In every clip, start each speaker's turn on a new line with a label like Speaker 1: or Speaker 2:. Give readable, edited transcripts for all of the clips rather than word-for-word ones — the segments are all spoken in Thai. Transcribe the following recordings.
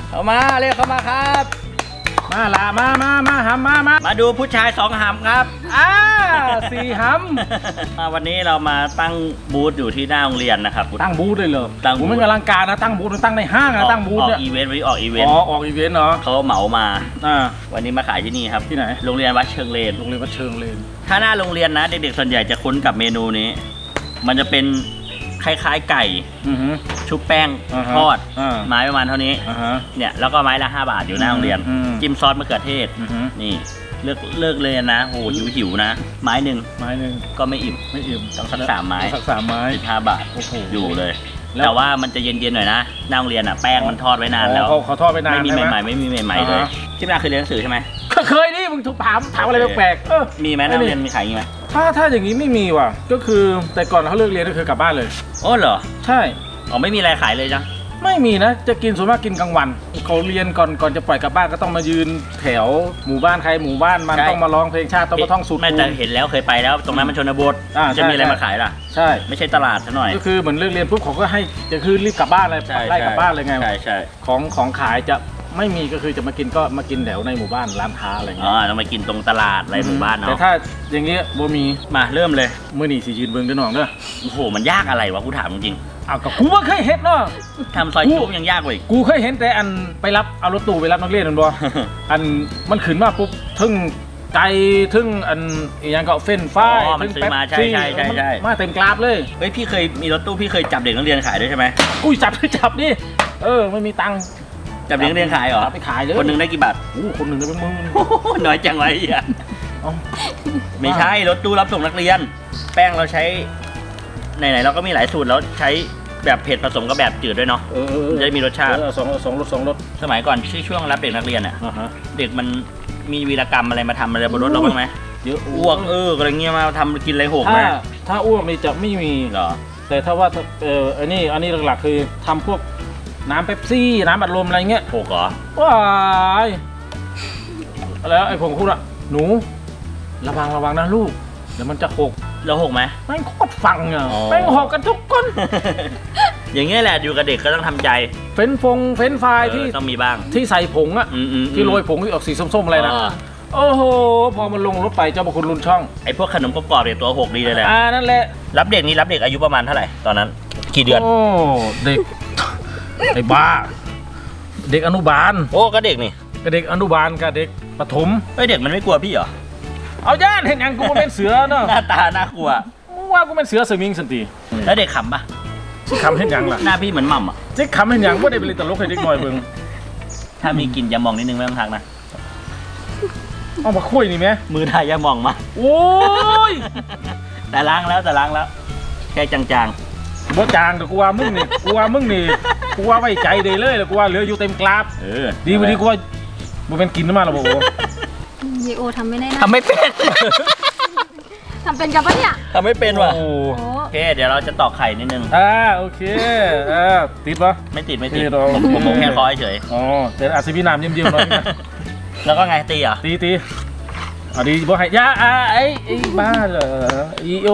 Speaker 1: เข้ามาเรียกเข้ามาครับ
Speaker 2: มาละมาหำมา
Speaker 1: ดูผู้ชาย2 หำครับ
Speaker 2: 4 หำ
Speaker 1: วันนี้เรามาตั้งบูธอยู่ที่หน้าโรงเรียนนะครับ
Speaker 2: ตั้งบูธเลยเหรอ
Speaker 1: ตั้งบูธ
Speaker 2: ผมไม่กำลังการนะตั้งบูธตั้งในห้างนะตั้งบูธเนี่ย
Speaker 1: ออกอีเวนต์วันนี้ออกอีเวนต์
Speaker 2: ออกอีเวนต์เนาะ
Speaker 1: เขาเหมามาวันนี้มาขายที่นี่ครับ
Speaker 2: ที่ไหน
Speaker 1: โรงเรียนวัดเชิงเลนถ้าหน้าโรงเรียนนะเด็กๆส่วนใหญ่จะคุ้นกับเมนูนี้มันจะเป็นคล้ายๆไก่ชุบแป้งทอดไม้ประมาณเท่านี้เนี่ยแล้วก็ไม้ละ5 บาทอยู่หน้าโรงเรียนจิ้มซอสมะเขือเทศนี่เลิกเลยนะโหหิวนะไม้หนึ่งก็ไม่อิ่มต้องสัก3 ไม้15 บาทอยู่เลยแต่ว่ามันจะเย็นๆหน่อยนะหน้าโรงเรียนอ่ะแป้งมันทอดไว้นานแล้ว
Speaker 2: เขาทอดไว้นาน
Speaker 1: ไม่มีใหม่เลยที่นาเคยเรียนหนังสือใช่ไหม
Speaker 2: เคยนี่มึงถามอะไรแปลก
Speaker 1: ๆมีไหมหน้าโรงเรียนมีขายอย่างนี้ไหม
Speaker 2: ถ้าอย่างนี้ไม่มีว่ะก็คือแต่ก่อนเขาเลิกเรียนก็คือกลับบ้านเลย
Speaker 1: อ๋อเหรอ
Speaker 2: ใช่
Speaker 1: ไม่มีอะไรขายเลยจ้ะ
Speaker 2: ไม่มีนะจะกินส่วนมากกินกลางวันเขาเรียนก่อนจะปล่อยกลับบ้านก็ต้องมายืนแถวหมู่บ้านใครหมู่บ้านมันต้องมาร้องเพลงชาติต้องมาท่องสูตร
Speaker 1: ไม่แต่เห็นแล้วเคยไปแล้วตรงนั้นมันชนบทจะมีอะไรมาขายล่ะ
Speaker 2: ใช่
Speaker 1: ไม่ใช่ตลาดซะหน่อย
Speaker 2: ก็คือเหมือนเลิกเรียนปุ๊บเขาก็ให้จะคือรีบกลับบ้านเลยไล่กลับบ้านเลยไง
Speaker 1: ใช่
Speaker 2: ของขายจะไม่มีก็คือจะมากินก็มากินแถวในหมู่บ้านร้านค้าอะไรเงี้ย
Speaker 1: ต้องมากินตรงตลาดอะไรหมู่บ้านเนาะ
Speaker 2: แต่ถ้าอย่างเงี้ยบ่มี
Speaker 1: มาเริ่มเลย
Speaker 2: มื้อนี้สิยืนเบิ่งด้วยน้องเด้อ
Speaker 1: โอ้โหมันยากอะไรวะกูถามจริง
Speaker 2: ก็กูว่าเคยเห็นเนาะ
Speaker 1: ทำซอยจุ๊บยังยากกว่าอีก
Speaker 2: กูเคยเห็นแต่อันไปรับเอารถตู้ไปรับนักเรียนมันบ่อันมันขึ้นมาปุ๊บทึ่งไก่ทึ่งอันอย่างก็เฟ้นฟ้า
Speaker 1: ทึ่งแป๊บซี่
Speaker 2: มาเต็มกราฟเลย
Speaker 1: เฮ้ยพี่เคยมีรถตู้พี่เคยจับเด็กนักเรียนขายด้วยใช่ไหม
Speaker 2: กูจับดิไม่มีตังค์
Speaker 1: จับเด็กนักเรียนขายเหรอ
Speaker 2: ไปขายเลย
Speaker 1: คนหนึ่งได้กี่บาท
Speaker 2: คนหนึ่งได้เป็นหมื่น
Speaker 1: น้อยจังไว้อ่ะไม่ใช่รถตู้รับส่งนักเรียนแป้งเราใช้ไหนๆเราก็มีหลายสูตรแล้วใช้แบบเผ็ดผสมกับแบบจืดด้วยเนาะจะมีรสชาติ
Speaker 2: สองรส
Speaker 1: สมัยก่อนช่วงรับเด็กนักเรียนอ่ะเด็กมันมีวีรกรรมอะไรมาทำอะไรบนรถเราบ้างไหม
Speaker 2: เยอะ
Speaker 1: อ้วกอะไรเงี้ยมาทำกินอะไรหกไหม
Speaker 2: ถ้าอ้วกนี่จะไม่มี
Speaker 1: เหรอ
Speaker 2: แต่ถ้าว่าอันนี้หลักๆคือทำพวกน้ำเป๊ปซี่น้ำอัดลมอะไรเงี้ย
Speaker 1: หกเหรอ
Speaker 2: ว้ายแล้วไอ้ผมพูดอะหนูระวังนะลูกเดี๋ยวมันจะหก
Speaker 1: แล้วหกไหม
Speaker 2: แม่งโคตรฟังอ่ะแม่งหกกันทุกคน
Speaker 1: อย่างเงี้ยแหละอยู่กับเด็กก็ต้องทำใจ
Speaker 2: เฟ้นไฟที่
Speaker 1: ต้องมีบ้าง
Speaker 2: ที่ใส่ผงอ่ะที่โรยผงที่ออกสีส้มๆอะไรนะโอ้โหพอมันลงรถไปเจ้าพระคุณรุนช่อง
Speaker 1: ไอ้พวกขนมกรอบๆเนี่ยตัวหกดีเลยแหละ
Speaker 2: นั่นแหละ
Speaker 1: รับเด็กนี่รับเด็กอายุประมาณเท่าไหร่ตอนนั้นกี่เดือน
Speaker 2: โอ้เด็กไอ้บ้าเด็กอนุบาล
Speaker 1: ก็เด็กนี่
Speaker 2: ก็เด็กอนุบาลกับเด็กประถม
Speaker 1: เด็กมันไม่กลัวพี่เหรอ
Speaker 2: เอาย่านเห็นยังกูเป็นเสือเนาะ
Speaker 1: หน้าตาน่ากลัว
Speaker 2: ว่ากูเป็นเสือสมิงสันติ
Speaker 1: แล้วเด็กขำปะ
Speaker 2: ขำเห็นยังล่ะ
Speaker 1: หน้าพี่เหมือนหม่ำอ่ะ
Speaker 2: เจ๊ขำเห็นยังว่าได้เป็นตลกให้เด็กหน่อยเบิ่ง
Speaker 1: ถ้ามีกินยามองนิดนึงไม่ต้องทักนะ
Speaker 2: เอามาคุยนี่ไหม
Speaker 1: มือไทยยามองมา
Speaker 2: โอ้ย
Speaker 1: แต่ล้างแล้วแค่จาง
Speaker 2: บ่จางแต่กูว่ามึงนี่กูว่าไว้ใจได้เลยแล้วกูว่าเหลืออยู่เต็มกราฟดีวันนี้กูว่าบ่เป็นกินมาแล้วบ่
Speaker 3: เยโอทำไม่ได้นะ
Speaker 1: ทำไม่เป็น
Speaker 3: ทำเป็นกับปะเนี่ย
Speaker 1: ทำไม่เป็นว่ะโอเคเดี๋ยวเราจะตอกไข่นิดนึง
Speaker 2: โอเคติดปะ
Speaker 1: ไม่ติดผมแค่คอยเฉย
Speaker 2: แต่อาจจะมีน้ำเยี่ยมๆหน่อย
Speaker 1: แล้วก็ไงตีเหรอ
Speaker 2: ตีดีบ่ให้ยาไอ้บ้าเหรอโอ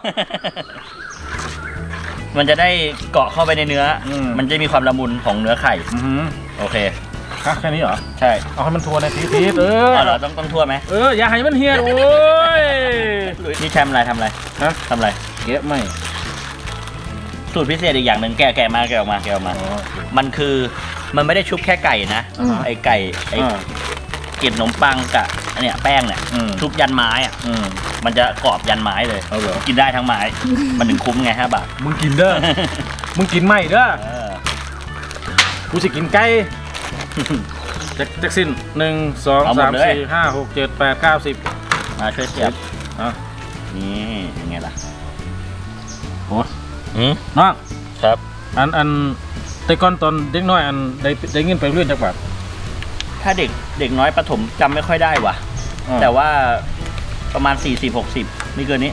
Speaker 1: มันจะได้เกาะเข้าไปในเนื้อมันจะมีความละมุนของเนื้อไข่โอเค
Speaker 2: แค่นี้เหรอ
Speaker 1: ใช่
Speaker 2: เอาให้มันทัวร์ในที
Speaker 1: เหรอต้องทัวร์ไหม
Speaker 2: อย่าให้มันเฮียโอ้ย
Speaker 1: นี่ทำอะไร
Speaker 2: เกะไม่
Speaker 1: สูตรพิเศษอีกอย่างหนึ่งแกะมามันคือมันไม่ได้ชุบแค่ไก่นะไอ้ไก่ไอ้เกล็ดขนมปังกับเนี่ยแป้งเนี่ยชุบยันไม้อ่ะมันจะกรอบยันไม้เลยกินได้ทั้งไม้มันถึงคุ้มไง5 บาท
Speaker 2: มึงกินเด้อมึงกินไม่เด้อกูจะกินไก่แจ็คสิ้น1 2 3 4 5 6 7 8 9 10
Speaker 1: มาช่วยเสียบนี่ยังไงล่ะ
Speaker 2: โอ้น้อง
Speaker 1: ครับ
Speaker 2: อันแต่ก่อนตอนเด็กน้อยอันได้เงินไปเรื่อยจักบาท
Speaker 1: ถ้าเด็กน้อยประถมจำไม่ค่อยได้ว่ะแต่ว่าประมาณ40-60ไม่เกินนี้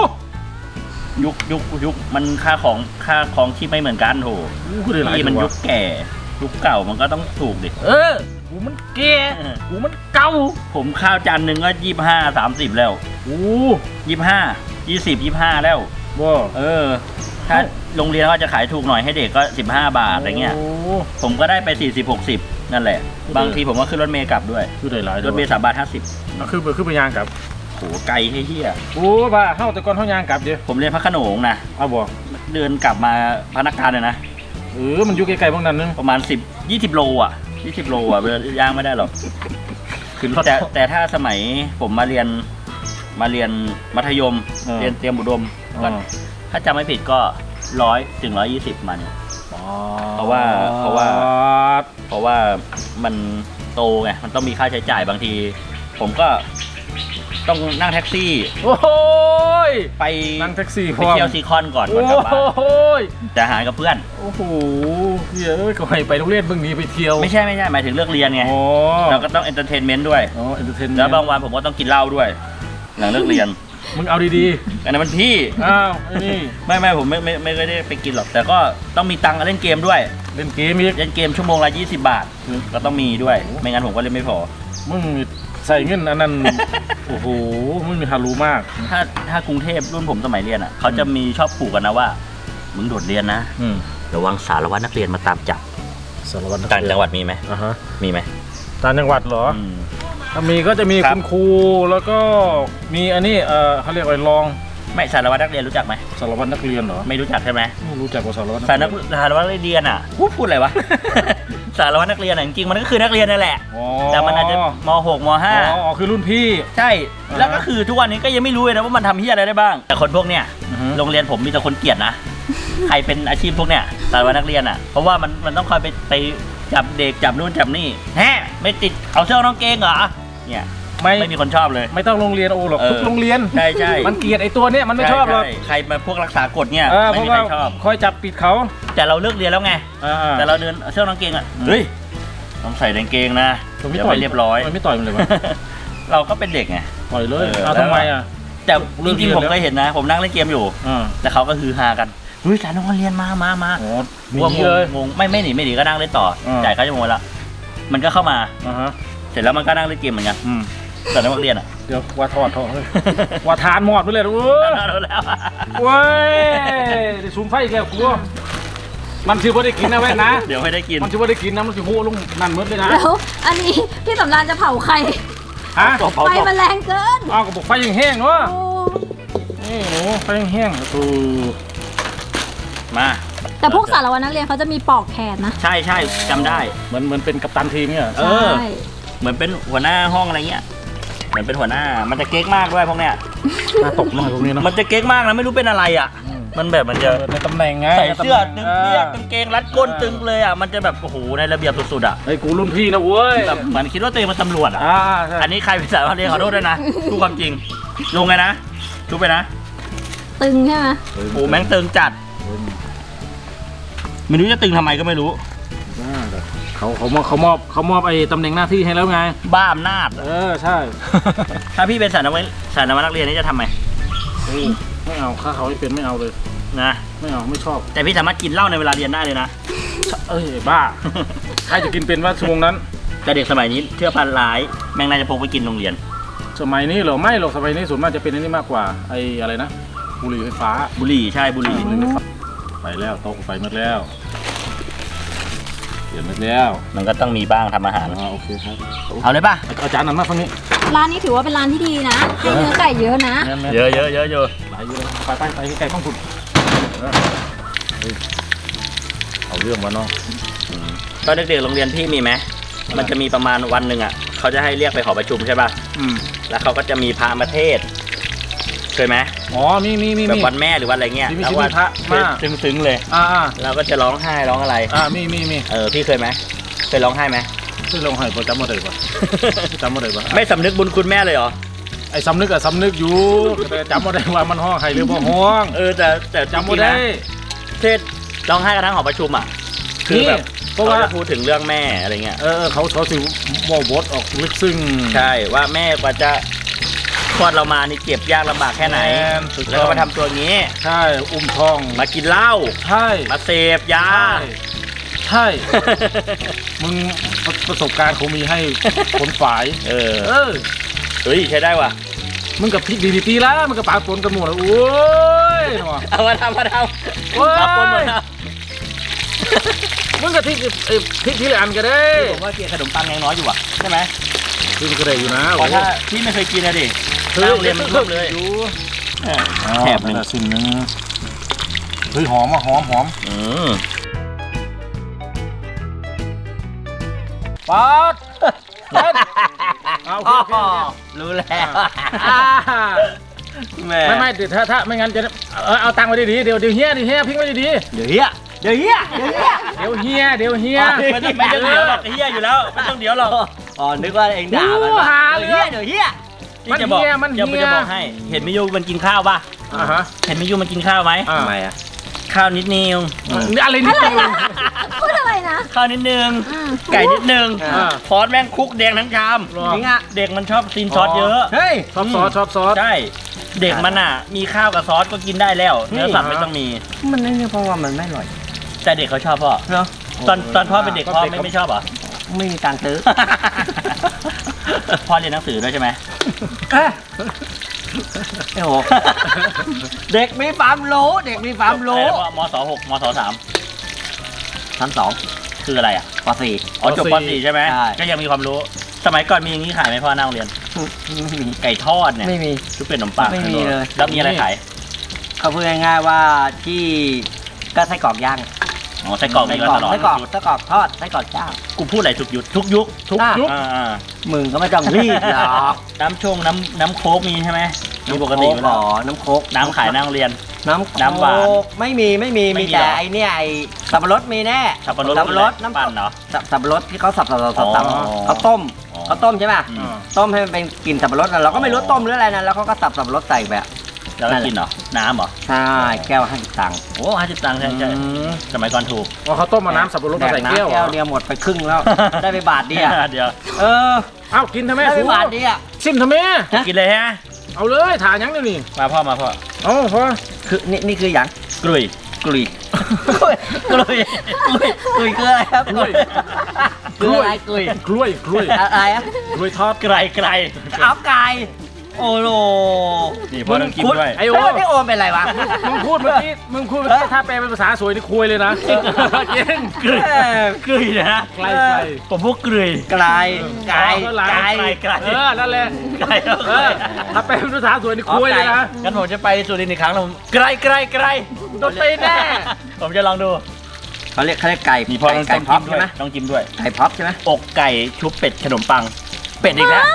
Speaker 1: ยุคมันค่าของที่ไม่เหมือนกันโถที่มันยุคแก่ยุคเก่ามันก็ต้องถูกดิ
Speaker 2: กูมันแก่กูมันเก่า
Speaker 1: ผมข้าวจานหนึ่งก็25-30แล้ว25แล้วถ้าโรงเรียนก็จะขายถูกหน่อยให้เด็กก็15 บาทอะไรเงี้ยผมก็ได้ไป40-60 นั่นแหละ บางทีผมก็ขึ้นรถเมล์กลับด้วย
Speaker 2: คือได้หลาย
Speaker 1: รถเมล์3 บาท 50
Speaker 2: คือไปยางกลับ
Speaker 1: โหไกลเฮี้ย
Speaker 2: โอ้บ้าเข้าแต่ก่อนเข้ายางกลับเดี๋ยว
Speaker 1: ผมเรียนพระโขนงนะ
Speaker 2: เอาบอก
Speaker 1: เดินกลับมาพนักงานเลยนะ
Speaker 2: มันอยู่ไกลๆพวกนั้นนึง
Speaker 1: ประมาณ20 โลอ่ะ20 โลอ่ะเดินย่างไม่ได้หรอก
Speaker 2: ขึ้นรถ
Speaker 1: แต่ถ้าสมัยผมมาเรียนมัธยม เรียนเตรียมอุดมก็ถ้าจำไม่ผิดก็100 ถึง 120มันเพราะว่ามันโตไงมันต้องมีค่าใช้จ่ายบางที ผมก็ต้องนั่งแท็กซี่
Speaker 2: โอ้ย
Speaker 1: ไป
Speaker 2: นั่งแท็กซี่
Speaker 1: ไปเที่ยวซีคอนก่อนกลับบ้าน
Speaker 2: โอ้ย
Speaker 1: จะหากับเพื่อน
Speaker 2: โอ้โหเฮ้ยก็ให้ไปโรงเรียนเพิ่งหนีไปเที่ยว
Speaker 1: ไม่ใช่หมายถึงเลิกเรียนไง
Speaker 2: อ๋อ
Speaker 1: เราก็ต้องเอนเตอร์เทนเมนต์ด้วย
Speaker 2: อ๋อเอนเตอร์เทน
Speaker 1: แล้วบางวันผมก็ต้องกินเหล้าด้วย หลังเลิกเรียน
Speaker 2: มึงเอาดี
Speaker 1: อันนั้นมันพี่
Speaker 2: ๆอ้าวไอ้นี่
Speaker 1: ไม่ผมไม่ได้ไปกินหรอกแต่ก็ต้องมีตังค์เล่นเกมด้วย
Speaker 2: เล่นเกมอีก
Speaker 1: เล่นเกมชั่วโมงละ20 บาทก็ต้องมีด้วยไม่งั้นผมก็เล่นไม่พอ
Speaker 2: มึงใส่เงินอันนั้น โอ้โหมึงมีฮารู้มาก
Speaker 1: ถ้ากรุงเทพรุ่นผมสมัยเรียนอ่ะเขาจะมีชอบผูกกันนะว่ามึงโดดเรียนนะระวังสารวัตรนักเรียนมาตามจับ
Speaker 2: สารวัตร
Speaker 1: ต่างจังหวัดมีไหม
Speaker 2: อ่าฮะ
Speaker 1: มีไหม
Speaker 2: ต่างจังหวัดเหรอ ถ้ามีก็จะมีคุณครูแล้วก็มีอันนี้เขาเรียกอะไรรอง
Speaker 1: ไม่สารวัตรนักเรียนรู้จักไหม
Speaker 2: สารวัตรนักเรียนเหรอ
Speaker 1: ไม่รู้จักใช่ไหม
Speaker 2: ไม่รู้จักว่าสารวัตรนัก
Speaker 1: สาร
Speaker 2: เรียน
Speaker 1: วัตรนักเรียนอ่ะพูดอะไรวะ สารวัตรนักเรียนอ่ะจริงๆมันก็คือนักเรียนนั่นแหละ
Speaker 2: อ๋อ
Speaker 1: แต่มันอาจจะม.6 ม.5
Speaker 2: อ๋อคือรุ่นพี่
Speaker 1: ใช่แล้วก็คือทุกวันนี้ก็ยังไม่รู้เลยนะว่ามันทำเฮียอะไรได้บ้าง แต่คนพวกเนี้ย
Speaker 2: อือฮึ
Speaker 1: โรงเรียนผมมีแต่คนเกลียดนะ ใครเป็นอาชีพพวกเนี้ยสารวัตรนักเรียนอ่ะเพราะว่ามันต้องคอยไปจับเด็กจับนู่นจับนี่แฮะไม่ติดเอาเสื้อน้องเกงเหรอเนี่ยไม่มีคนชอบเลย
Speaker 2: ไม่ต้องโรงเรียนโอ้หรอกทุกโรงเรียน
Speaker 1: ใช่
Speaker 2: มันเกลียดไอ้ตัวเนี้ยมันไม่ชอบหรอก
Speaker 1: ใใครมาพวกรักษากฎเนี่ย
Speaker 2: เพ
Speaker 1: ไม่
Speaker 2: ราะ
Speaker 1: มี
Speaker 2: ว่า
Speaker 1: ใครชอบ
Speaker 2: คอยจับปิดเขา
Speaker 1: แต่เราเลิกเรียนแล้วไง
Speaker 2: แต่
Speaker 1: แต่เราเดินเสื้อน้องเกงอ่ะเฮ้ยต้องใส่กางเกงนะ
Speaker 2: มันไม่
Speaker 1: เดี๋ยว
Speaker 2: ต่อย
Speaker 1: ไปเรียบร้อย
Speaker 2: มันไม่ต่อยมันเลยวะ
Speaker 1: เราก็เป็นเด็กไง
Speaker 2: ต่อยเลย
Speaker 1: เออ
Speaker 2: เอาทำไมอ่ะ
Speaker 1: แต่จริงๆผม
Speaker 2: เลิกเรียนแล้ว
Speaker 1: เคยเห็นนะ ผมนั่งเล่นเกมอยู่ แต่เขาก็ฮือฮากันเฮ้ยสารน้องเรียนมา
Speaker 2: อ๋อหนี
Speaker 1: ว่าง
Speaker 2: เลย
Speaker 1: งงไม่หนีก็นั่งเล่นต่อจ่ายค่าชั่วโมงละมันก็เข้ามา
Speaker 2: ฮะ
Speaker 1: เสร็จแล้วมันก็นั่งเล่นเกมเหมือนกันแต่นักเรียนอ่ะ
Speaker 2: เดี๋ยวว่าทอดเฮ้ยว่าทานหมดไปเลยเว้ย
Speaker 1: รู้แล้ว
Speaker 2: เว้ยได้ซูมไฟอีกแล้วกูมันถือว่าได้กินนะเว้ยนะ
Speaker 1: เดี๋ยวให้ได้กิน
Speaker 2: มันถือว่าได้กินนะมันถือโหลงนั่นมืดเลยนะ
Speaker 3: แล้วอันนี้พี่สำรานจะเผาใคร
Speaker 2: ฮะ
Speaker 1: เผา
Speaker 3: ไฟมันแรงเกิน
Speaker 2: อ้าวก็บอกไฟยังแห้งเนาะ
Speaker 3: โอ้
Speaker 2: นี่หนูไฟยังแห้ง
Speaker 1: มา
Speaker 3: แต่พวกสารวัตรนักเรียนเขาจะมีปอกแขนนะ
Speaker 1: ใช่จำได้
Speaker 2: เหมือนเป็นกัปตันทีมเนี่ย
Speaker 1: เออ
Speaker 3: ใช่
Speaker 1: เหมือนเป็นหัวหน้าห้องอะไรเงี้ยเหมือนเป็นหัวหน้ามันจะเก๊กมากด้วยพวกเนี้ย
Speaker 2: น่าตกหน่อยพวกนี้เนาะ
Speaker 1: มันจะเก๊กมากนะไม่รู้เป็นอะไรอ่ะมันแบบมันจะ
Speaker 2: ในตำแหน่งไง
Speaker 1: ใส่เสื้อตึงเปียกกางเกงรัดก้นตึงเลยอ่ะมันจะแบบโอ้โหในระเบียบสุดๆอ่ะ
Speaker 2: ไอ้กูรุ่นพี่นะเว้ย
Speaker 1: แบบเหมือนคิดว่าตัวเองเป็นตำรวจอ่ะ
Speaker 2: ใช่
Speaker 1: อันนี้ใครเป็นสารวัตรเรียนขอโทษด้วยนะพูดความจริงลงไงนะทุบไปนะ
Speaker 3: ตึงใช่ไหม
Speaker 1: โอ้แม่งตึงจัดไม่รู้จะตึงทำไมก็ไม่รู้
Speaker 2: เขามอบไอ้ตำแหน่งหน้าที่ให้แล้วไง
Speaker 1: บ้าอำนาจ
Speaker 2: ใช่
Speaker 1: ถ้าพี่เป็นสารวัตรนักเรียนนี่จะทำไง
Speaker 2: ไม่เอาข้าเขาไม่เป็นไม่เอาเลย
Speaker 1: นะ
Speaker 2: ไม่เอาไม่ชอบ
Speaker 1: แต่พี่สามารถกินเหล้าในเวลาเรียนได้เลยนะ
Speaker 2: เอ้ยบ้าใครจะกินเป็นว่าชั่วโมงนั้น
Speaker 1: แต่เด็กสมัยนี้เชื่อพันร้ายแม่งน่าจะพกไปกินโรงเรียน
Speaker 2: สมัยนี้เหรอไม่หรอกสมัยนี้ส่วนมากจะเป็นอันนี้มากกว่าไอ้อะไรนะบุหรี่ไฟฟ้า
Speaker 1: บุหรี่ใช่บุหรี่
Speaker 2: ไปแล้วโต๊ะไฟหมดแล้วเปลี่ยนหมดแล้ว
Speaker 1: มันก็ต้องมีบ้างทำอาหาร
Speaker 2: โอเคครับ
Speaker 1: เอาเลยป่ะ
Speaker 2: อาจารย์นั่นมาฝั่งนี้
Speaker 3: ร้านนี้ถือว่าเป็นร้านที่ดีนะให้เนื้อไก่เยอะนะ
Speaker 1: เยอะ
Speaker 2: หลายอยู่เลยไปใกล้ๆข้องคุณเอาเรื่องมาเนาะ
Speaker 1: ตอนเด็กๆโรงเรียนพี่มีไหมมันจะมีประมาณวันหนึ่งอ่ะเขาจะให้เรียกไปหอประชุมใช่ป่ะแล้วเขาก็จะมีพระมาเทศเคยไหม
Speaker 2: อ๋อมี
Speaker 1: แบบวันแม่หรือวันอะไรเงี้ย
Speaker 2: มี
Speaker 1: แล้วว่า
Speaker 2: พระมา
Speaker 1: ซึ้งๆเลยเราก็จะร้องไห้ร้องอะไร
Speaker 2: มี
Speaker 1: พี่เคยไหมเคยร้องไห้ไหม
Speaker 2: คือลงให้จำมาได้ปะจำมาได้ปะ
Speaker 1: ไม่สำนึกบุญคุณแม่เลยเหรอ
Speaker 2: ไอ้สำนึกอะสำนึกอยู่แต่จำมาได้ว่ามันห้องใครหรือบ่ห้อง
Speaker 1: แต่
Speaker 2: จำมาได้
Speaker 1: เทศร้องไห้กันทั้งหอประชุมอ่ะคือแบบเพราะว่าพูดถึงเรื่องแม่อะไรเงี้ย
Speaker 2: เขาสิว่าบทออกลึกซึ้ง
Speaker 1: ใช่ว่าแม่กว่าจะคลอดเรามานี่เจ็บยากลำบากแค่ไหนแล้วก็มาทำตัวงี้
Speaker 2: ใช่อุ้มท้อง
Speaker 1: มากินเหล้า
Speaker 2: ใช่
Speaker 1: มาเสพยา
Speaker 2: ใช่มึงประสบการณ์เขามีให้คนฝ่าย
Speaker 1: เฮ้ยใช้ได้ว่ะ
Speaker 2: มึงกับพี่ดีๆแล้วมึงกับปากปนกันหมดแล้วโอ้ย
Speaker 1: เอามาทำปากปนหมดแล้ว
Speaker 2: มึงก็ที่ที่ละอันก็ได้
Speaker 1: ผมว่ากินขนมปังยังน้อยอยู่อ่ะใช่ไหม
Speaker 2: ที่มันก็ได้อยู่นะ
Speaker 1: เพราะถ้าพี่ไม่เคยกินนะดินั่งเรียนมันเพิ่มเลย
Speaker 2: อยู่
Speaker 1: แถบหนึ่ง
Speaker 2: สิ่งนึงเฮ้ยหอมอ่ะหอม ป๊อดเอาโอเค
Speaker 1: รู้แล้ว แม่
Speaker 2: ไม่เดี๋ยวถ้าไม่งั้นจะเอาตังค์ไว้ดีๆเดี๋ยวเฮียพิงไว้ดี
Speaker 1: เดี๋ยวเฮีย
Speaker 2: ๆเดี๋ยวเฮีย
Speaker 1: ไม่ต้องเดี๋ยวหรอกเฮียอยู่แล้วไม่ต้องเดี๋ยวหรอกอ๋อนึกว่าเองด่ามันเดี๋ยวเฮียนี่จะบอกจะบอกให้เห็นมิยูมันกินข้าวป่ะเห็นมิยูมันกินข้าวไหม
Speaker 2: ทำไมอ่ะ
Speaker 1: ข้าวนิดนึง
Speaker 2: อะไรนิดนึง
Speaker 3: พูดอะไรนะ
Speaker 1: ข้าวนิดนึงไก่นิดนึง
Speaker 2: อ่า
Speaker 1: ซอสแม่งคุกแดงทั้งชาม
Speaker 2: จริงอ่ะ
Speaker 1: เด็กมันชอบซีนซอสเยอะ
Speaker 2: เฮ้ยชอบซอส
Speaker 1: ใช่เด็กมันอ่ะมีข้าวกับซอสก็กินได้แล้วเนื้อสัตว์ไม่ต้องมี
Speaker 4: มันไม่เพราะว่ามันไม่อร่อย
Speaker 1: แต่เด็กเขาชอบพ่อ
Speaker 4: เนาะ
Speaker 1: ตอนพ่อเป็นเด็กพ่อไม่ชอบเหรอ
Speaker 4: ไม่มีตังค์ซื้อ
Speaker 1: พ่อเรียนหนังสือด้วยใช่ไหม
Speaker 4: โอ้โหเด็กมีความรู้เด็กมีความรู้
Speaker 1: มศ6มศ3
Speaker 4: ชั้นสอง
Speaker 1: คืออะไรอ่ะ
Speaker 4: ป .4
Speaker 1: อ๋อจบป .4 ใช่ไหม
Speaker 4: ใช่
Speaker 1: ก็ยังมีความรู้ สมัยก่อนมีอย่างนี้ขายไหมพ่อหน้าโรงเรียน
Speaker 4: ไม่มี
Speaker 1: ไก่ทอดเนี่ย
Speaker 4: ไม่มี
Speaker 1: ชุบเป็ดขนมปัง
Speaker 4: ไม่มีเลย
Speaker 1: แล้วมีอะไรขาย
Speaker 4: เขาพูดง่ายๆว่าที่ก็ไส้กรอกย่าง
Speaker 1: อ๋อไส้กรอกมีมาตลอด
Speaker 4: ไส้กรอกทอดไส้กรอกย่าง
Speaker 1: กูพูดอะไรทุกยุคทุกยุค
Speaker 2: ทุกยุค
Speaker 1: อ่า
Speaker 4: มึงก็ไม่ต้องรีบหรอก
Speaker 1: น้ำโค้กมีใช่ไหมมีปกติ
Speaker 4: น้ำโค้กหรอน้ำโค้ก
Speaker 1: น้ำขายหน้าโรงเรียน
Speaker 4: น้ำ
Speaker 1: น้ำหวาน
Speaker 4: ไม่มี
Speaker 1: ไม่มี
Speaker 4: มี
Speaker 1: เหร
Speaker 4: แต่
Speaker 1: อ
Speaker 4: ไอเนี่ยไอสับปะรดมีแน่
Speaker 1: สับปะรด
Speaker 4: น้ำ
Speaker 1: ปั่นเหรอ
Speaker 4: สับปะรดที่เขาสับ
Speaker 1: อ๋อ
Speaker 4: เขาต้ม
Speaker 1: อ๋อ
Speaker 4: เขาต้มใช่ป่ะ
Speaker 1: อืม
Speaker 4: ต้มให้มันเป็นกลิ่นสับปะรดนะเราก็ไม่รู้ต้มหรืออะไรนะแล้วเขาก็สับสับปะรดใส่แบบ
Speaker 1: แล้วก็กินเหรอน้ำเหรอ
Speaker 4: ใช่แก้ว50 ตังค์
Speaker 1: โอ้50 ตังค์ใช่ใช่สมัยก่อนถูก
Speaker 2: ว่าเขาต้มมาน้ำสับปะรด
Speaker 4: แด
Speaker 2: มาก ใส่
Speaker 4: น้ำ
Speaker 2: แก้ว
Speaker 4: แก้วเดียวหมดไปครึ่งแล้ว ได้ไปบาทเดียว
Speaker 1: เดี๋ยว
Speaker 4: เออ
Speaker 2: เอ้ากินทำไม
Speaker 4: ได้ไป
Speaker 2: ฟู
Speaker 4: บาทเดียว
Speaker 2: ซิมทำไม
Speaker 1: กินเลยฮะ
Speaker 2: เอาเลยถ่ายยังเดี๋ยวนี้
Speaker 1: มาพ่อ
Speaker 4: เอาพอคือนี่คืออย่าง
Speaker 1: กลุย
Speaker 4: กลุยกลุยคืออะไรครับกลุยคืออะไรกลุย
Speaker 2: กล้วย
Speaker 4: อะไรอะ
Speaker 2: กล้วยทอด
Speaker 1: ไกล
Speaker 4: เอาไก่โอ้โห
Speaker 1: นี่พ่อต้องกินด้วย
Speaker 2: ไอ้โอ้
Speaker 4: แล้วนี่โอมเป็นไรวะ
Speaker 2: มึงพูดเมื่อกี้ถ้าแปลเป็นภาษาสวยนี่คุยเลยนะจริง
Speaker 1: กลุยกลุยนะ
Speaker 2: ไกล
Speaker 1: ผมพวกกลุย
Speaker 4: ไก่ไก่ไก่
Speaker 1: ไกล
Speaker 2: นั่นแหละ
Speaker 1: ไกล
Speaker 2: ถ้าแปลเป็นภาษาสวยนี่คุยเลยนะ
Speaker 1: งั้นผมจะไปสุรินทร์อีกครั้งแล้วผมไกล
Speaker 2: โดนตีแน่
Speaker 1: ผมจะลองดู
Speaker 4: เขาเรียกไก่
Speaker 1: นี่พ่อต้อง
Speaker 4: ไก่
Speaker 1: กิ
Speaker 4: พับ
Speaker 1: นด้
Speaker 4: ใช่
Speaker 1: วย
Speaker 4: ไหม
Speaker 1: ต้องกินด้วย
Speaker 4: ไก่พับใช่ไหม
Speaker 1: อกไก่ชุบเป็ดขนมปัง เป็ดอีกแล้ว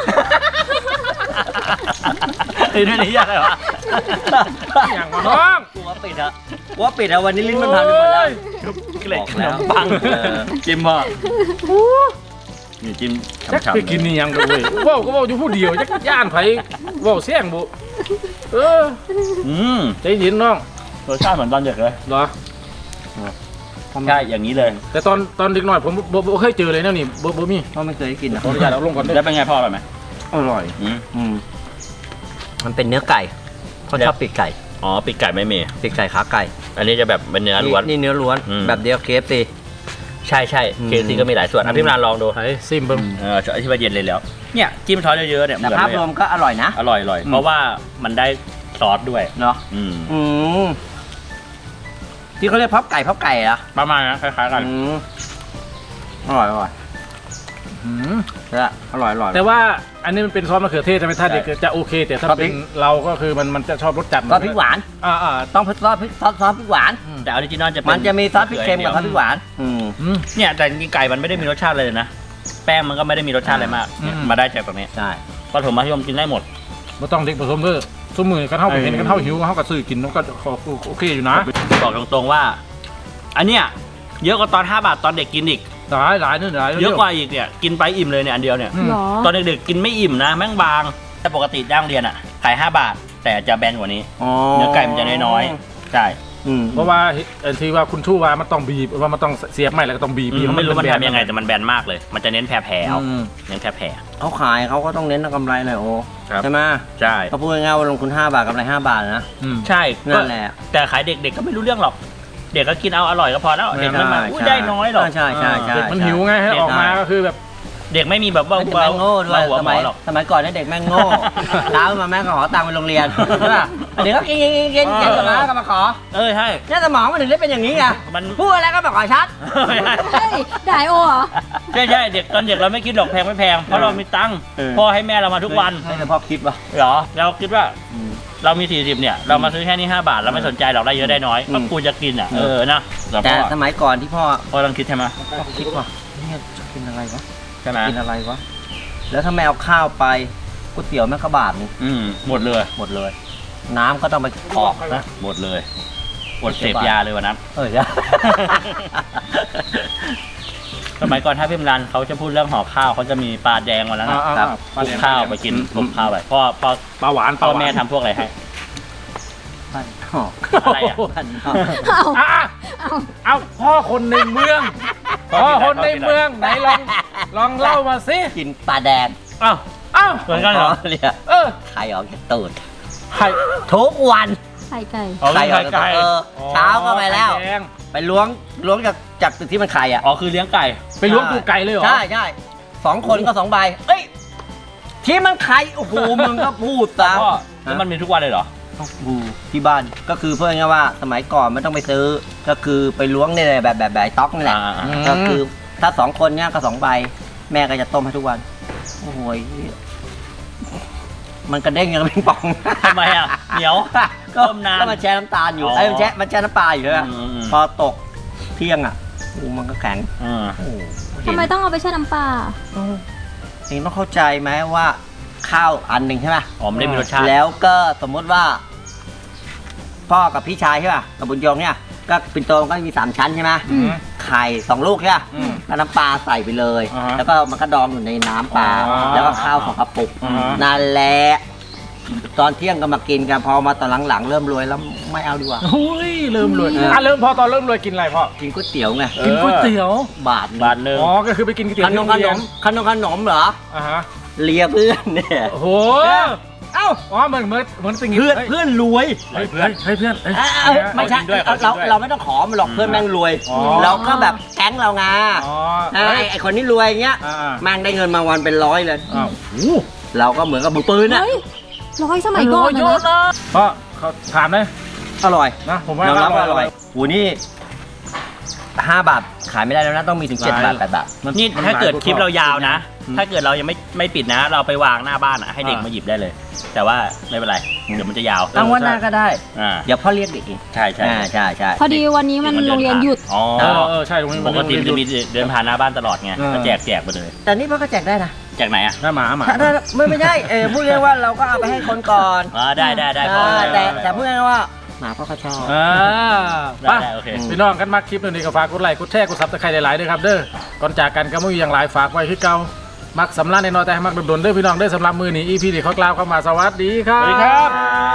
Speaker 1: นี่ด้วยนี่ยากเลยวะ
Speaker 2: อย่างมาน้อง
Speaker 4: หัวปิดอะวันนี้ลิ้นมันพันไปหมดแล้ว
Speaker 1: ชุบเกล็ดขนมปังจิ้มพ่อนี่จิ้ม
Speaker 2: จัก
Speaker 1: ฉ่ำ
Speaker 2: ไปกินนี่ยังกันเว้ยว่าวก็ว่าวอยู่ผู้เดียวจักย่านไผว่าวเสี่ยงบุ ใจเย็นน้อง
Speaker 1: รสชาติเหมือนตอนเด็กเลย
Speaker 2: เหรอ
Speaker 1: ใช่อย่างนี้เลย
Speaker 2: แต่ตอนเด็กหน่อยผมบ่เคยเจอเลยนะนี่บ่มี
Speaker 4: เพราะไม่เคยกินอะ
Speaker 2: ขออนุญาตเอาลงก่อนด้วย
Speaker 1: แล้วเป็นไงพ่ออร่อยไหม
Speaker 4: อร่อย
Speaker 1: อืม
Speaker 4: มันเป็นเนื้อไก่เขาชอบปีกไก่
Speaker 1: อ๋อปีกไก่ไม่มี
Speaker 4: ปีกไก่ขาไก่
Speaker 1: อันนี้จะแบบเป็นเนื้อล้วน
Speaker 4: นี่เนื้อล้วน
Speaker 1: อืม
Speaker 4: แบบเดียวเคฟซี
Speaker 1: ใช่
Speaker 4: อืม
Speaker 1: เคซีก็มีหลายส่วนพี่มรานลองดู
Speaker 2: ไอ้ซิมเบิ้ง
Speaker 1: อธิบายเย็นเลยแล้ว เนี่ยจิ้มซอสเยอะๆเนี่ย
Speaker 4: แต่
Speaker 1: เหมือน
Speaker 4: ภาพ
Speaker 1: เลย
Speaker 4: รวมก็อร่อยนะ
Speaker 1: อร่อย
Speaker 4: อืม
Speaker 1: เพราะว่ามันได้ซอสด้วย
Speaker 4: เนาะ
Speaker 1: อืม
Speaker 4: อืมที่เขาเรียกพับไก่เหรอ
Speaker 1: ประมาณนั้นคล้ายๆกัน
Speaker 4: อืมอร่อยแล้วอร่อย
Speaker 2: แต่ว่าอันนี้มันเป็นซอสมะเขือเทศใช่ไหมถ้าเด็กจะโอเค แต่ถ้า
Speaker 4: ซอสพริ
Speaker 2: เป็
Speaker 4: ก
Speaker 2: นเราก็คือมันจะชอบรสจัด
Speaker 4: ซอสพริกหวาน ต้องซอสพริกหวาน
Speaker 1: แต่ออริจินอลจะเป็น
Speaker 4: มันจะมีซอสพริกเค็มกับซอสพริกหวาน
Speaker 1: เนี่ยแต่จริงๆไก่มันไม่ได้มีรสชาติเลยนะแป้งมันก็ไม่ได้มีรสชาติอะไรมากเนี่ยมาได้จากตรงนี้
Speaker 4: ใช่
Speaker 1: ปฐมมัธยมกินได้หมด
Speaker 2: ไม่ต้องเด็กผสมด้วยสมมือกันเท่าเห็นกันเท่าหิวเขาก็ซื้อกินมันก็โอเคอยู่นะ
Speaker 1: บอกตรงๆว่า อันเนี้ยเยอะกว่าตอน5 บาทตอนเด็กกินอีก
Speaker 2: หลายนี่หลาย
Speaker 1: เยอะกว่าอีกเนี่ยกินไปอิ่มเลยเนี่ยอันเดียวเนี่ย
Speaker 3: หรอ
Speaker 1: ตอนเด็กๆกินไม่อิ่มนะแม่งบางแต่ปกติย่างเรียนอ่ะขาย5 บาท แต่จะแบนกว่านี้เนื้อไก่มันจะน้อยๆใช่
Speaker 2: เพราะว่าที่ว่าคุณชู่ว่ามันต้องบีบว่ามันต้องเสียบไม่แล้วก็ต้องบีบ
Speaker 1: ไม่รู้มันทำยังไงแต่มันแบนมากเลย มันจะเน้นแผ่ๆเอาเน้นแผ่
Speaker 4: เขาขายเขาก็ต้องเน้นกำไรหน่อยโอ้
Speaker 1: ครับ
Speaker 4: ใช่ไหม
Speaker 1: ๆใช่
Speaker 4: เขาพูดง่ายๆว่าลงทุน5 บาทกำไร5 บาทนะ
Speaker 1: ใช่
Speaker 4: นั่นแหละ
Speaker 1: แต่ขายเด็กๆก็ไม่รู้เรื่องหรอก เด็กก็กินเอาอร่อยก็พอแล้วเด็กไม่มาได้น้อยหรอก
Speaker 4: ใช่
Speaker 2: มันหิวไงให้ออกมาก็คือแบบ
Speaker 1: เด็กไม่มีแบบว่า
Speaker 4: เด็กแม่งโง่ด้วย
Speaker 1: หัวหมอหรอก
Speaker 4: สมัยก่อนเนี่ยเด็กแม่งโง่ เช้ามาแม่งก็ขอตังค์ไปโรงเรียนใช่ป่ะเดี๋ยวก็กินเสร็จแล้วก็มาขอ
Speaker 1: ใช่
Speaker 4: เนี่ยสมองมันถึงได้เป็นอย่างนี้ไง
Speaker 1: มัน
Speaker 4: พูดอะไรก็มาขอชัด
Speaker 3: เฮ้ยด่าไอโอเหรอ
Speaker 1: ใช่เด็กตอนเด็กเราไม่คิดหรอกแพงไม่แพงเพราะเรามีตังค์พ่อให้แม่เรามาทุกวัน
Speaker 4: ไม่แต่พ่อคิดว่า
Speaker 1: เหรอเราคิดว่าเรามี40เนี่ยเรามาซื้อแค่นี้5 บาทเราไม่สนใจหรอกได้เยอะได้น้อยก็กูจะกินอ่ะนะแต่
Speaker 4: แต่สมัยก่อนที่พ่อ
Speaker 1: พ่อต้องคิดใช่ไหม
Speaker 4: คิดว่าเนี่ยจะกินอะไรวะ
Speaker 1: ใช่ไหม
Speaker 4: กินอะไรวะแล้วถ้าไม่เอาข้าวไปก๋วยเตี๋ยวแม่งก็บาทนึง
Speaker 1: หมดเลย
Speaker 4: หมดเลย น้ำก็ต้องไปออกนะ
Speaker 1: หมดเลยอดเสพยาเลยวันนั้น
Speaker 4: ใช่
Speaker 1: สมัยก่อนถ้าพี่มรันเขาจะพูดเรื่องห่อข้าวเขาจะมีปลาแดงวันนั้นนะครับคลุกข้าวไปกินคลุกข้าวไปพ่อ
Speaker 2: ปลาหวาน
Speaker 1: พ่อแม่ทำพวกอะไรให้
Speaker 4: บ้านนอก
Speaker 1: อะไรอ่ะ
Speaker 4: บ้านนอก
Speaker 2: เอาพ่อคนในเมืองพ่อคนในเมืองไหนลองเล่ามาสิ
Speaker 4: กินปลาแดง
Speaker 2: อ้าว
Speaker 1: เหมือนกันเหรอ
Speaker 4: เนี่ย ไข่ออกจากตูด
Speaker 2: ไข่
Speaker 4: ทุกวัน
Speaker 3: ไข่ไก่
Speaker 1: อ๋อไข่ไก่
Speaker 4: เช้าก็ไปแล้ว
Speaker 2: ไข่ดง
Speaker 4: ไปล้วงจากตึกที่มันไข่อ่ะ
Speaker 1: อ๋อคือเลี้ยงไก่
Speaker 2: ไปล้วงตูดไก่เลยเหรอ
Speaker 4: ใช่2 คนก็2 ใบเอ้ยที่มันไข่โอ้โหมึงก็พูดซะ
Speaker 1: พ่อแล้วมันมีทุกวันเลยเหรอ
Speaker 4: ที่บ้านก็คือเพื่อนง่ายๆว่าสมัยก่อนไม่ต้องไปซื้อก็คือไปล้วงเนี่ยแบบต๊อกนี่แหละ ก็คือถ้า2 คนเนี่ยก็2 ใบ แม่ก็จะต้มให้ทุกวัน โอ้โหมันกระเด้งยังเป็นปอง
Speaker 1: ทำไมอ่ะเหนียว
Speaker 4: ก็
Speaker 1: ต้มนาน
Speaker 4: ก็มันแช่น้ำตาลอยู่
Speaker 1: อ๋อ
Speaker 4: ไอ้มันแช่น้ำปลาอยู่ใช่ไหม
Speaker 1: อืม
Speaker 4: พอตกเที่ยงอ่ะโอ้มันก็แข็ง
Speaker 1: อืม
Speaker 4: โอ้โห
Speaker 3: ทำไมต้องเอาไปแช่น้ำปลา
Speaker 4: เองต้องเข้าใจไหมว่าข้าวอันหนึ่งใช่ไหม
Speaker 1: อ๋อไม่ได้มีรสชาติ
Speaker 4: แล้วก็สมมุติว่า พ่อกับพี่ชายใช่ป่ะกับบุญยงเนี่ยก็ปิ่นโตมันก็มี3 ชั้นใช่ไหม
Speaker 3: อืม
Speaker 4: ไข่2 ลูกใช่ป่ะแล้วน้ำปลาใส่ไปเลย
Speaker 2: อ่าฮะ
Speaker 4: แล้วก็มันก็ดองอยู่ในน้ำปลา
Speaker 2: อ๋อ
Speaker 4: แล้วก็ข้าว2 กระปุก
Speaker 2: อ่าฮะ
Speaker 4: นั่นแหละตอนเที่ยงก็มากินกันพอมาตอนหลังๆเริ่มรวยแล้วไม่เอาดีกว่า
Speaker 2: อุ้ยเริ่มรวย
Speaker 4: เออ
Speaker 2: เริ่มตอนเริ่มรวยกินอะไรพ่อ
Speaker 4: กินก๋วยเตี๋ยวไง
Speaker 2: กินก๋วยเตี๋ยว
Speaker 4: บาท
Speaker 1: บาทหนึ่ง
Speaker 2: อ๋อก็คือไปกินก๋วยเตี๋ยว
Speaker 4: ขนมขนมเหรอ
Speaker 2: อ่าฮะ
Speaker 4: เลียเพื่อนเนี่ย
Speaker 2: โอ้โห
Speaker 4: เอ้า
Speaker 2: อ๋อเหมือนสิ่ง
Speaker 4: เพื่อนรวย
Speaker 2: เฮ้ยเพื่อนเฮ้ยเพื่อนเอ้ย
Speaker 4: ไม่ใช่
Speaker 1: ด้วย
Speaker 4: เราไม่ต้องขอมันหรอกเพื่อนแม่งรวย
Speaker 2: อ๋อ
Speaker 4: เราก็แบบแก๊งเราไง
Speaker 2: อ๋อ
Speaker 4: ไอ้คนนี้รวยอย่างเงี้ย
Speaker 2: อ่า
Speaker 4: แม่งได้เงินมาวันเป็น100เลย
Speaker 2: อ้าว
Speaker 4: เราก็เหมือนกับมือปืนอะ
Speaker 3: เฮ้ยร้อยสมัยก่อน
Speaker 2: โย
Speaker 3: นะ
Speaker 2: นนะพ่อเขาถามเลย
Speaker 4: อร่อย
Speaker 2: นะผมว่าย
Speaker 4: อมรับว่าอ
Speaker 2: อ
Speaker 4: ร่
Speaker 2: ร่
Speaker 4: อ
Speaker 2: อย ย
Speaker 4: โหนี่5 บาทขายไม่ได้แล้วนะต้องมีถึง7 บาท8 บาท
Speaker 1: นี่ถ้าเกิดคลิปเรายาวนะ ถ้าเกิดเรายังไม่ปิดนะ เราไปวางหน้าบ้านอ่ะให้เด็กมาหยิบได้เลย แต่ว่าไม่เป็นไรเดี๋ยวมันจะยาว
Speaker 4: ตั้งวันหน้าก็ได้
Speaker 1: อ่า
Speaker 4: เดี๋ยวพ่อเรียกเด็กเอง
Speaker 1: ใช่ใช่
Speaker 4: ใช่
Speaker 3: พอดีวันนี้มันโรงเรียนหยุด
Speaker 1: อ๋อ
Speaker 2: ใช่ตรงนี้
Speaker 1: ปกติมันจะมีเดินผ่านหน้าบ้านตลอดไง
Speaker 2: เออ
Speaker 1: ก็แจกไปเลย
Speaker 4: แต่นี่พ่อก็แจกได้นะ
Speaker 1: แจกไหนอ่ะ
Speaker 2: หน้าหมา
Speaker 4: ถ้าไม่ใช่พูดง่ายๆว่าเราก็เอาไปให้คนก่อน
Speaker 1: อ๋อได้พ่อ
Speaker 4: แต่พูดง่ายๆว่าหมาพ่อเขาชอบ
Speaker 1: ได้โอเค
Speaker 2: พี่น้องกันมาคลิปนี้ก็ฝากกดไลค์กดแชร์กดซับสไครต์หลายๆด้วยครับเด้อก่อนจากกันก็ไม่มีอย่างไรฝากไว้ที่เก่ามักสำลักในน้อยแต่ให้มักโดนๆเด้อพี่น้องเด้อสำหรับมือนี้ EP นี้เขากล่าวเข้ามาสวัสดีครับ
Speaker 1: สวัสดีครับ